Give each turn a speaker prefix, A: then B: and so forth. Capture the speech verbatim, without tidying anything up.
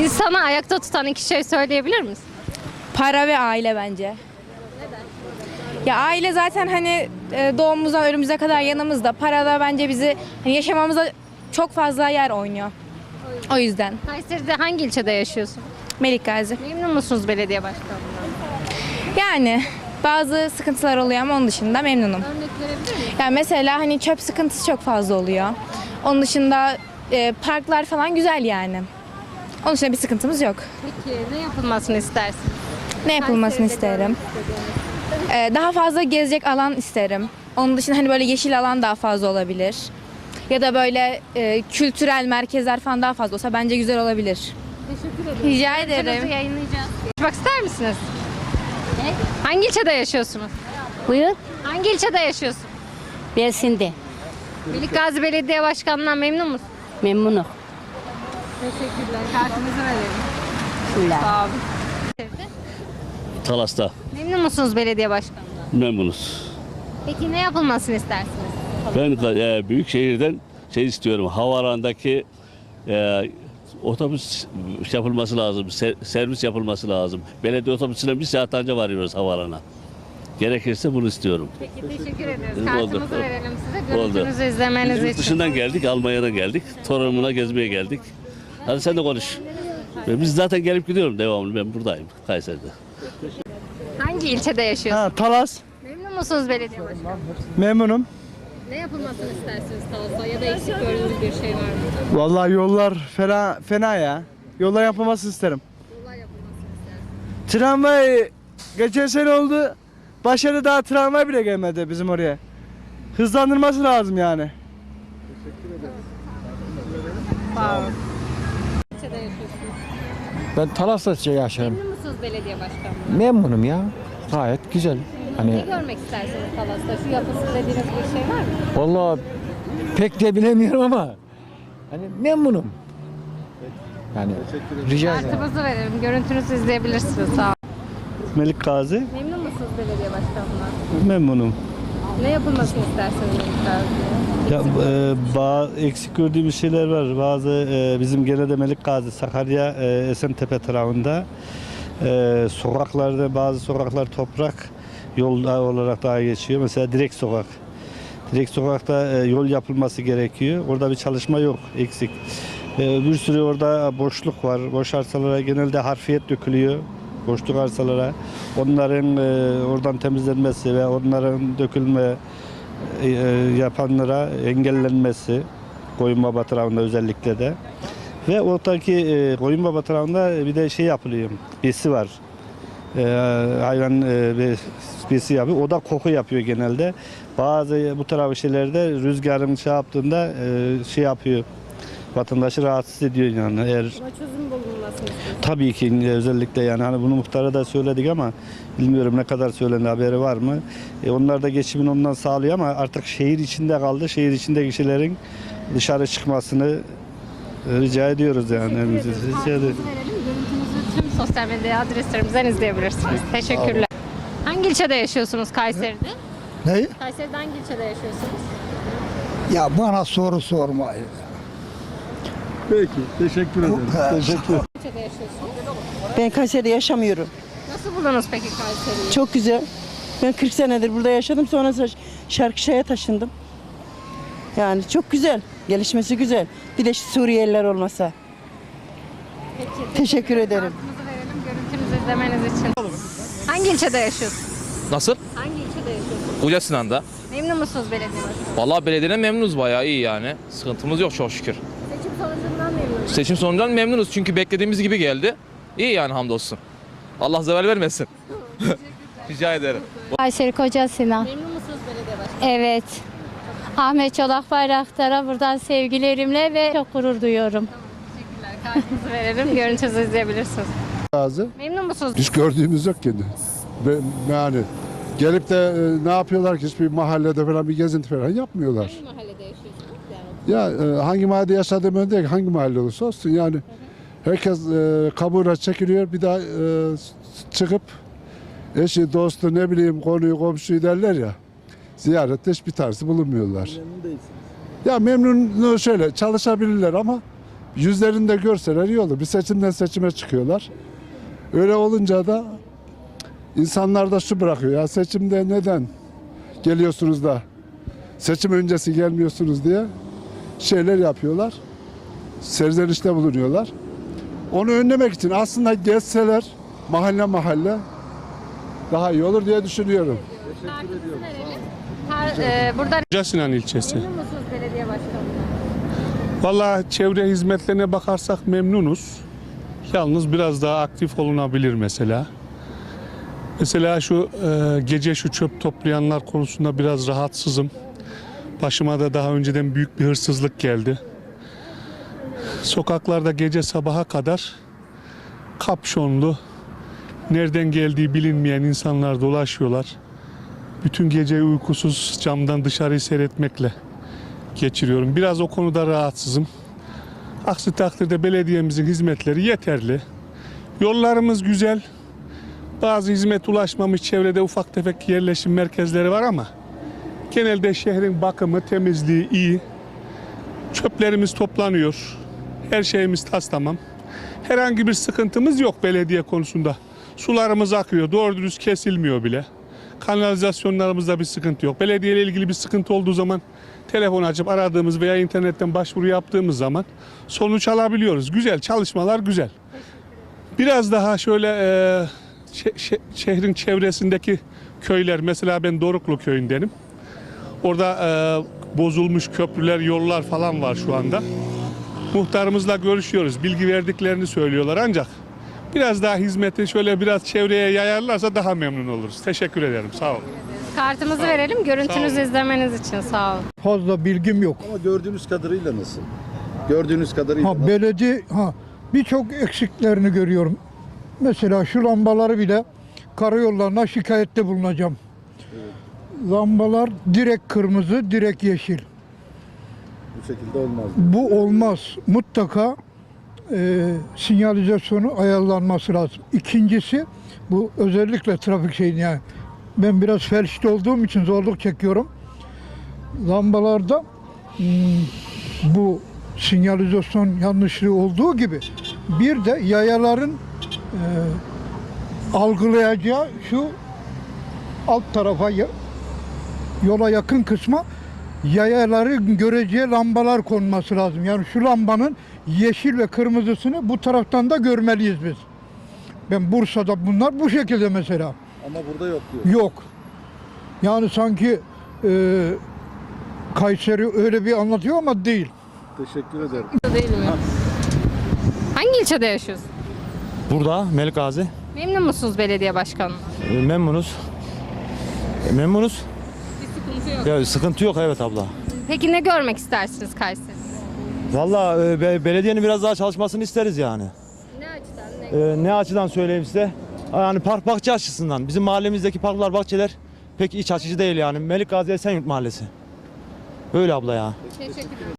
A: İnsanı ayakta tutan iki şey söyleyebilir misin?
B: Para ve aile bence. Ya aile zaten hani e, doğumumuzdan ölümümüze kadar yanımızda. Para da bence bizi hani yaşamamıza çok fazla yer oynuyor. O yüzden.
A: Kayseri'de hangi ilçede yaşıyorsun?
B: Melikgazi.
A: Memnun musunuz belediye başkanından?
B: Yani bazı sıkıntılar oluyor ama onun dışında memnunum.
A: Örnek verebilir miyim?
B: Yani mesela hani çöp sıkıntısı çok fazla oluyor. Onun dışında e, parklar falan güzel yani. Onun dışında bir sıkıntımız yok.
A: Peki ne yapılmasını istersin?
B: Ne yapılmasını isterim? Ee, daha fazla gezecek alan isterim. Onun dışında hani böyle yeşil alan daha fazla olabilir. Ya da böyle e, kültürel merkezler falan daha fazla olsa bence güzel olabilir.
A: Teşekkür ederim.
B: Rica
A: Görüntünüzü
B: ederim.
A: yayınlayacağız. Konuşmak ister misiniz? Ne? Hangi ilçede yaşıyorsunuz?
C: Buyur.
A: Hangi ilçede yaşıyorsun?
C: Bersinde.
A: Melikgazi Belediye Başkanı'ndan memnun musun?
C: Memnunum.
A: Teşekkürler. Kartınızı verelim.
C: Şöyle.
A: Sağ olun.
D: Talas'ta
A: Memnun musunuz belediye başkanından?
D: memnunuz.
A: Peki ne yapılmasını istersiniz?
D: Ben e, büyük şehirden şey istiyorum. Havalandaki e, otobüs yapılması lazım. ser- servis yapılması lazım. Belediye otobüsüne bir saat önce varıyoruz havalana. Gerekirse bunu istiyorum.
A: Peki teşekkür ederiz.
D: Oldu.
A: Kartımızı verelim size.
D: Oldu.
A: Görüntünüzü izlemeniz
D: Yurt
A: için.
D: dışından geldik, Almanya'dan geldik. Torunumuna gezmeye geldik. Hadi sen de konuş. Ve biz zaten gelip gidiyorum devamlı. Ben buradayım Kayseri'de.
A: Hangi ilçede yaşıyorsunuz?
E: Ha, Talas.
A: Memnun musunuz belediye başkanı?
E: Memnunum.
A: Ne yapılmasını istersiniz Talas'ta ya da eksik gördüğünüz bir şey var mı?
E: Vallahi yollar fena fena ya. Yollar yapılması isterim.
A: Yollar yapılmasını istersiniz.
E: Tramvay geçen sene oldu. Başarı daha tramvay bile gelmedi bizim oraya. Hızlandırması lazım yani.
A: Sağ olun. İlçede yaşıyorsunuz.
F: Ben Talas'ta şey yaşarım.
A: Memnun musunuz belediye başkanı?
F: Memnunum ya. Gayet güzel.
A: Ne
F: Hani
A: görmek istersiniz Talas'ta? Şu yapılsın dediğiniz bir şey var mı?
F: vallahi pek de bilemiyorum ama hani memnunum. Yani rica ederim.
A: Kartımızı verelim. Görüntünüzü izleyebilirsiniz. Sağ olun.
E: Melik Gazi.
A: Memnun musunuz belediye başkanından?
E: Memnunum.
A: Ne yapılmasını isterseniz Melikgazi'ye?
E: Ya e, bazı eksik gördüğümüz şeyler var. Bazı e, bizim genelde Melik Gazi, Sakarya, e, Esentepe tarafında e, sokaklarda bazı sokaklar toprak yol olarak daha geçiyor. Mesela direkt sokak. Direkt sokakta e, yol yapılması gerekiyor. Orada bir çalışma yok, eksik. E, bir sürü orada boşluk var. Boş arsalara genelde harfiyet dökülüyor. Boşluk arsalara. Onların e, oradan temizlenmesi ve onların dökülme e, yapanlara engellenmesi Koyunbaba tarafında özellikle de ve oradaki e, Koyunbaba tarafında bir de şey yapılıyor, besi var, e, hayvan e, besi yapıyor, o da koku yapıyor genelde. Bazı bu tarafı şeylerde rüzgarın şey yaptığında e, şey yapıyor, vatandaşı rahatsız ediyor yani. Eğer
A: Buna çözüm bulunmasını istiyorsunuz.
E: tabii ki özellikle yani hani bunu muhtara da söyledik ama bilmiyorum ne kadar söylendi, haberi var mı? E onlar da geçimini ondan sağlıyor ama artık şehir içinde kaldı. Şehir içindeki kişilerin dışarı çıkmasını e, rica ediyoruz yani. Rica ederim.
A: Kartımızı verelim. Görüntünüzü tüm sosyal medya adreslerimizden izleyebilirsiniz. Teşekkürler. Hangi ilçede yaşıyorsunuz Kayseri'de?
G: Ne?
A: Kayseri'de hangi ilçede yaşıyorsunuz?
G: Ya bana soru sormayın.
E: Peki, teşekkür ederim. Teşekkür ederim.
A: İlçede yaşıyorsunuz.
H: Ben Kayseri'de yaşamıyorum.
A: Nasıl buldunuz peki Kayseri'yi?
H: Çok güzel. Ben kırk senedir burada yaşadım. Sonra Şarkışla'ya taşındım. Yani çok güzel. Gelişmesi güzel. Bir de şu Suriyeliler olmasa.
A: Peki,
H: Teşekkür ederim.
A: Kartımızı verelim görüntünüzü izlemeniz için. Hangi ilçede yaşıyorsunuz?
I: Nasıl?
A: Hangi ilçede yaşıyorsunuz?
I: Koca Sinan'da.
A: Memnun musunuz belediye başkanı?
I: Vallahi belediyeden memnunuz, bayağı iyi yani. Sıkıntımız yok çok şükür.
A: Seçim sonucundan memnun musunuz?
I: Seçim sonucundan memnunuz çünkü beklediğimiz gibi geldi. İyi yani hamdolsun. Allah zeval vermesin. Rica ederim.
C: Kayseri Koca Sinan.
A: Memnun musunuz belediye başkanı?
C: Evet. Ahmet Çolak Bayraktar'a buradan sevgilerimle ve çok gurur duyuyorum.
A: Teşekkürler. Kartınızı verelim. Görüntünüzü izleyebilirsiniz.
G: Lazım.
A: Memnun musunuz?
G: Hiç gördüğümüz yok kendi. Ben, yani gelip de e, ne yapıyorlar ki hiçbir mahallede falan bir gezinti falan yapmıyorlar.
A: Hangi mahallede yaşıyorsunuz? Yani
G: Ya e, hangi mahallede yaşadığım önde değil, hangi mahalle olursa olsun yani herkes e, kabuğuna çekiliyor bir daha e, çıkıp eşi, dostu ne bileyim konuyu, komşuyu derler ya ziyarette hiçbir tanesi bulunmuyorlar. Ya memnun şöyle çalışabilirler ama yüzlerinde görseler iyi olur. Bir seçimden seçime çıkıyorlar. Öyle olunca da insanlar da şu bırakıyor. Ya seçimde neden geliyorsunuz da seçim öncesi gelmiyorsunuz diye şeyler yapıyorlar. Serzenişte bulunuyorlar. Onu önlemek için aslında gezseler mahalle mahalle daha iyi olur diye düşünüyorum.
A: Kartınızı verelim. Her, e, buradan
J: Koca Sinan ilçesi.
A: memnun musunuz belediye başkanından?
J: Vallahi çevre hizmetlerine bakarsak memnunuz. Yalnız biraz daha aktif olunabilir mesela. Mesela şu e, gece şu çöp toplayanlar konusunda biraz rahatsızım. Başıma da daha önceden büyük bir hırsızlık geldi. Sokaklarda gece sabaha kadar kapşonlu, nereden geldiği bilinmeyen insanlar dolaşıyorlar. Bütün gece uykusuz camdan dışarıyı seyretmekle geçiriyorum. Biraz o konuda rahatsızım. Aksi takdirde belediyemizin hizmetleri yeterli. Yollarımız güzel. Bazı hizmet ulaşmamış çevrede ufak tefek yerleşim merkezleri var ama genelde şehrin bakımı, temizliği iyi. Çöplerimiz toplanıyor. Her şeyimiz tas tamam. Herhangi bir sıkıntımız yok belediye konusunda. Sularımız akıyor, doğru dürüst kesilmiyor bile. Kanalizasyonlarımızda bir sıkıntı yok. Belediye ile ilgili bir sıkıntı olduğu zaman telefon açıp aradığımız veya internetten başvuru yaptığımız zaman sonuç alabiliyoruz. Güzel, çalışmalar güzel. Biraz daha şöyle e, şe- şe- şehrin çevresindeki köyler, mesela ben Doruklu köyündenim. Orada e, bozulmuş köprüler, yollar falan var şu anda. Muhtarımızla görüşüyoruz. Bilgi verdiklerini söylüyorlar ancak biraz daha hizmeti şöyle biraz çevreye yayarlarsa daha memnun oluruz. Teşekkür ederim. Sağ olun.
A: Kartımızı verelim. Görüntünüzü
J: Sağ olun.
A: izlemeniz için sağ olun.
K: Fazla bilgim yok.
L: Ama gördüğünüz kadarıyla nasıl? Gördüğünüz kadarıyla
K: Ha
L: nasıl?
K: belediye ha birçok eksiklerini görüyorum. Mesela şu lambaları bile karayollarına şikayette bulunacağım. Lambalar direkt kırmızı, direkt yeşil.
L: Bu şekilde olmaz.
K: Bu olmaz. Mutlaka e, sinyalizasyonu ayarlanması lazım. İkincisi bu özellikle trafik şeyini yani ben biraz felçli olduğum için zorluk çekiyorum. Lambalarda hmm, bu sinyalizasyon yanlışlığı olduğu gibi bir de yayaların e, algılayacağı şu alt tarafa ya- yola yakın kısma yayaların göreceği lambalar konması lazım. Yani şu lambanın yeşil ve kırmızısını bu taraftan da görmeliyiz biz. Ben Bursa'da bunlar bu şekilde mesela.
L: Ama burada yok diyor.
K: Yok. Yani sanki e, Kayseri öyle bir anlatıyor ama değil.
L: Teşekkür ederim.
A: Değil mi? Hangi ilçede yaşıyorsunuz?
M: Burada Melik Gazi.
A: Memnun musunuz belediye başkanından?
M: E, Memnunuz. E, Memnunuz.
A: Bir sıkıntı yok.
M: Ya, sıkıntı yok evet abla.
A: Peki ne görmek istersiniz Kayseri'de?
M: Valla e, be- belediyenin biraz daha çalışmasını isteriz yani.
A: Ne açıdan? Ne?
M: E, ne açıdan söyleyeyim size? Yani park bahçe açısından. Bizim mahallemizdeki parklar, bahçeler pek iç açıcı değil yani. Melik Gazi Esenyurt Mahallesi. Öyle abla ya.
A: Teşekkür ederim.